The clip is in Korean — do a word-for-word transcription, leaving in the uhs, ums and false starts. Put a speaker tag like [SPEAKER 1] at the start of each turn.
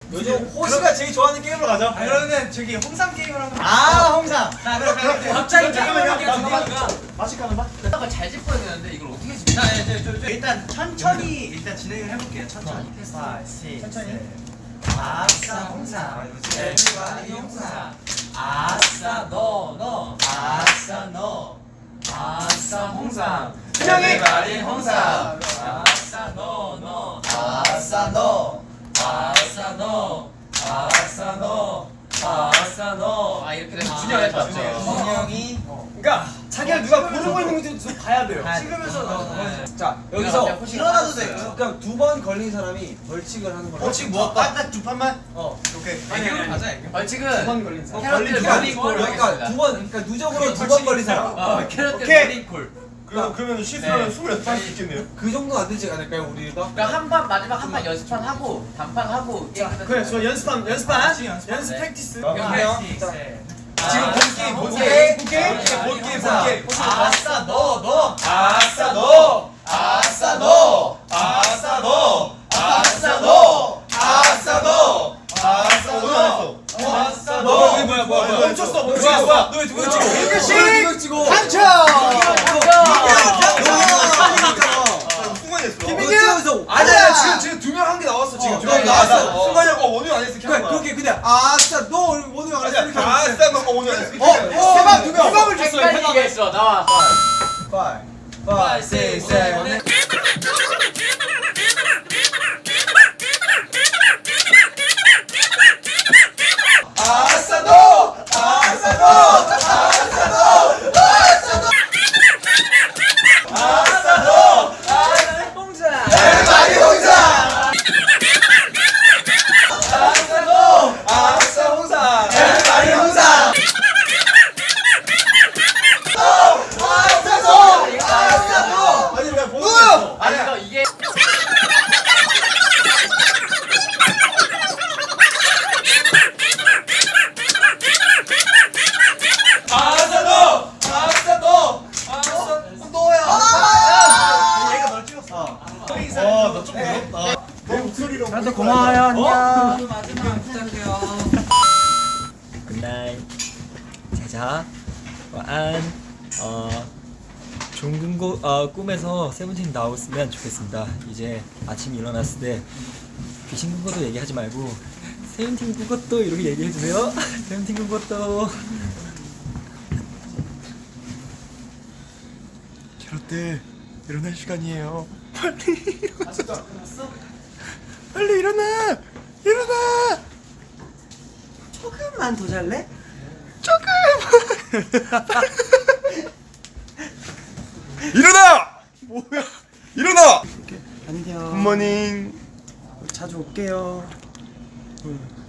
[SPEAKER 1] 요즘 호시가 제일 좋아하는 게임으로 가자.
[SPEAKER 2] 아, 그러면 저기 홍삼 게임을 한번.
[SPEAKER 1] 아 홍삼.
[SPEAKER 2] 자, 그럼
[SPEAKER 3] 갑자기 게임을 하게 되니까
[SPEAKER 1] 맛있게 하는 봐.
[SPEAKER 3] 딱 잘 짚어야 되는데 이걸 어떻게 짚냐?
[SPEAKER 2] 자, 저, 저, 저, 일단 천천히 일단 진행을 해볼게요. 천천히. 천천히. 아싸 홍삼.
[SPEAKER 3] everybody 홍삼. 아싸 너 너. 아싸 너. 아싸 홍삼. everybody 홍삼. 아싸 너 너.
[SPEAKER 1] 아싸 너.
[SPEAKER 3] 아싸 너. 아싸 너. 아싸 너. 아 이렇게 되면 준영이 맞죠?
[SPEAKER 2] 준영이.
[SPEAKER 1] 그러니까 자기가 누가 부르고 있는 건지 좀 봐야 돼요.
[SPEAKER 2] 찍으면서 넣어.
[SPEAKER 1] 자 여기서
[SPEAKER 2] 일어나도 돼요.
[SPEAKER 1] 그냥 두 번 걸린 사람이 벌칙을 하는 거예요.
[SPEAKER 2] 벌칙 뭐 할까? 딱두 판만?
[SPEAKER 1] 어.
[SPEAKER 2] 오케이.
[SPEAKER 3] 애교로 가자 애교. 벌칙은
[SPEAKER 1] 두 번 걸린 사람.
[SPEAKER 3] 캐럿들
[SPEAKER 1] 그러니까
[SPEAKER 3] 머리콜
[SPEAKER 1] 그러니까 두 번 그러니까 누적으로 두 번 걸린 사람.
[SPEAKER 3] 어 캐럿들
[SPEAKER 2] 오케이.
[SPEAKER 3] 머리콜.
[SPEAKER 4] 그럼 그러면 실수하면 스물여섯 번 할 수 있겠네요.
[SPEAKER 1] 그 정도 안 되지 않을까요 우리가?
[SPEAKER 3] 그러니까 한 판 마지막 한 판 연습판 하고 단판 하고 게임 끝났어요.
[SPEAKER 2] 그래, 저 연습한 연습한 연습
[SPEAKER 3] 네.
[SPEAKER 2] 프랙티스.
[SPEAKER 3] 연습.
[SPEAKER 2] 지금 본 게임, 본
[SPEAKER 3] 오케이.
[SPEAKER 2] 게임, 본 게임,
[SPEAKER 3] 오케이.
[SPEAKER 2] 본 게임, 본 게임.
[SPEAKER 3] 아싸 너 너.
[SPEAKER 4] 아싸 너, 아싸 너, 아싸 너, 아싸 너, 아싸 너, 아싸 오늘 안 했어.
[SPEAKER 3] 아싸
[SPEAKER 4] 너
[SPEAKER 3] 너.
[SPEAKER 4] 뭐야 뭐야 뭐야
[SPEAKER 2] 멈췄어,
[SPEAKER 4] 뭐야
[SPEAKER 2] 멈췄어.
[SPEAKER 4] 뭐야
[SPEAKER 2] 너왜 두번
[SPEAKER 1] 찍어?
[SPEAKER 2] 찍어?
[SPEAKER 1] 찍어.
[SPEAKER 2] 당첨!
[SPEAKER 4] 순간이었어.
[SPEAKER 1] 김민규.
[SPEAKER 2] 아니야, 지금 지금 두 명 한 게 나왔어 지금.
[SPEAKER 1] 어,
[SPEAKER 2] 두 명
[SPEAKER 1] 나-
[SPEAKER 2] 나왔어.
[SPEAKER 1] 나-
[SPEAKER 4] 순간이었고 원유 안 했어.
[SPEAKER 1] 그래 그렇게 그냥 아싸 너 오늘 안 했으니까.
[SPEAKER 4] 아싸 너 원유 안 했어.
[SPEAKER 2] 어, 대박 두 명.
[SPEAKER 1] 해방을 줬어요.
[SPEAKER 3] 헷갈리게 했어. 나와.
[SPEAKER 1] five, five, six, seven.
[SPEAKER 4] 아싸 너, 아싸 너, 아싸 너, 아싸 너, 아싸 너,
[SPEAKER 3] 홍자.
[SPEAKER 4] everybody 홍삼. 아싸 너, 아싸 홍삼, everybody 홍삼. 아싸 너, 아싸 너. 아니 왜 보고 있어?
[SPEAKER 3] 아니 너 이게
[SPEAKER 4] 아싸 너, 아싸 너, 아싸
[SPEAKER 2] 너야. 얘가 널 찍었어.
[SPEAKER 4] 와, 나 조금 늘었다. 내 목소리로.
[SPEAKER 1] 나도 고마워요. 안녕.
[SPEAKER 3] 마지막 부탁해요.
[SPEAKER 5] 굿나잇. 자자.晚安. 어 좋은 고, 어, 꿈에서 세븐틴 나왔으면 좋겠습니다. 이제 아침에 일어났을 때 귀신 꾼 것도 얘기하지 말고 세븐틴 꾼 것도 이렇게 얘기해 주세요. 세븐틴 꾼 것도.
[SPEAKER 4] 캐럿들 일어날 시간이에요.
[SPEAKER 2] 아직도 안 끝났어?
[SPEAKER 4] 빨리 일어나, 일어나.
[SPEAKER 2] 조금만 더 잘래?
[SPEAKER 4] 일어나. 뭐야? 일어나.
[SPEAKER 2] 안녕.
[SPEAKER 4] 굿모닝.
[SPEAKER 2] 자주 올게요.